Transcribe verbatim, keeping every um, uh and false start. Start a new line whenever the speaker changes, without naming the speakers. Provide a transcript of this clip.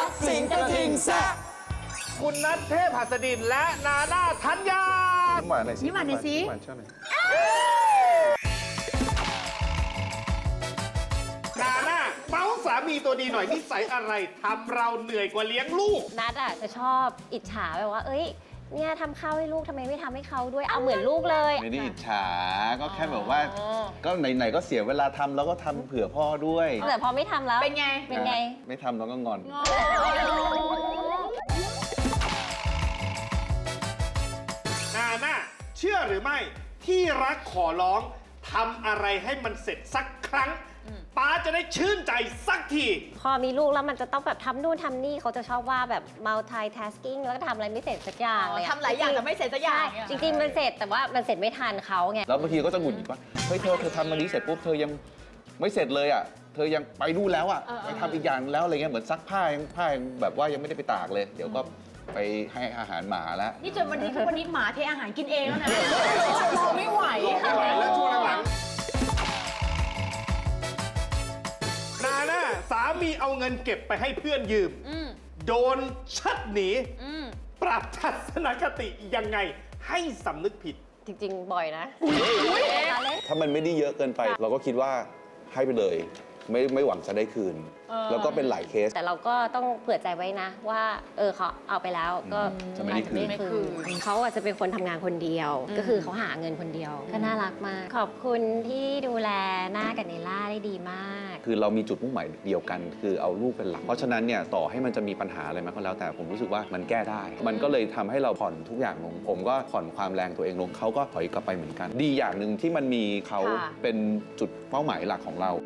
กสิงกระทิงแซ่บ
คุณนัทเทพหัสดินและนาน่าธัญญา
ยิ้มหวานหน่อยสิ
ยิ้มหวานหน่อยสิ
ยิ้มหวานช่วยหน่อย
นาน่าเมาส์สามีตัวดีหน่อยนิสัยอะไรทำเราเหนื่อยกว่าเลี้ยงลูก
นัดอ่ะจะชอบอิจฉาแบบว่า เอ้ย เนี่ยทำข้าวให้ลูกทำไมไม่ทำให้เขาด้วย เอาเหมือนลูกเลย
ไม่ได้อิจฉาก็แค่แบบว่า
อ๋อ
ก็ไหนๆก็เสียเวลาทำแล้วก็ทำเผื่อพ่อด้วย
แต่พอไม่ทำแล้ว
เป็นไง
เป็นไง
ไม่ทำแล้วก็งอน
นาน่าเชื่อหรือไม่ที่รักขอร้องทำอะไรให้มันเสร็จสักครั้งป้าจะได้ชื่นใจสักที
พอมีลูกแล้วมันจะต้องแบบทำนู่นทำนี่เขาจะชอบว่าแบบ multitasking แล้วก็ทำอะไรไม่เสร็จสักอย่างเลยอะ
ทำหลายอย่างแต่ไม่เสร็จสักอย่าง
ใช่
เนี่ย
จริงๆมันเสร็จแต่ว่ามันเสร็จไม่ทันเขาไง
แล้วบางทีก็จะหงุดหงิดว่าเฮ้ยเธอเธอทำมันนี้เสร็จปุ๊บเธอยังไม่เสร็จเลยอ่ะเธอยังไปนู่นแล้วอ่ะไปทำอีกอย่างแล้วอะไรเงี้ยเหมือนซักผ้ายังผ้ายังแบบว่ายังไม่ได้ไปตากเลย เดี๋ยวก็ไปให้อาหารหมาแล้ว
นี่จนวันนี้ทุกวันนี้หมาเทอาหารกินเองแล้วนะรอไม่ไหว
ไม่ไหวแล้วช่วงหลังนาน่าสามีเอาเงินเก็บไปให้เพื่อนยืม โดนชัดหนี ปรับทัศนคติยังไงให้สำนึกผิด
จริงๆ บ่อยนะ
ถ้ามันไม่ได้เยอะเกินไป เราก็คิดว่าให้ไปเลย ไม่ไม่หวังจะได้คืน แล้วก็เป็นหลายเคส
แต่เราก็ต้องเผื่อใจไว้นะว่า เออเขาเอาไปแล้วก็
จะไม่ได้คืน
อาจจะคืนเขาอาจจะเป็นคนทำงานคนเดียว ก็คือเขาหาเงินคนเดียว ก็น่ารักมาก ขอบคุณที่ดูแลหน้ากับเนล่าได้ดีมาก
คือเรามีจุดมุ่งหมายเดียวกัน คือเอาลูกเป็นหลัก เพราะฉะนั้นเนี่ยต่อให้มันจะมีปัญหาอะไรมาก็แล้วแต่ผมรู้สึกว่ามันแก้ได้ มันก็เลยทำให้เราผ่อนทุกอย่างลง ผมก็ผ่อนความแรงตัวเองลงเขาก็ถอยกลับไปเหมือนกัน ดีอย่างหนึ่งที่มันมีเขา
ค่ะ
เป็นจุดเป้าหมายหลักของเรา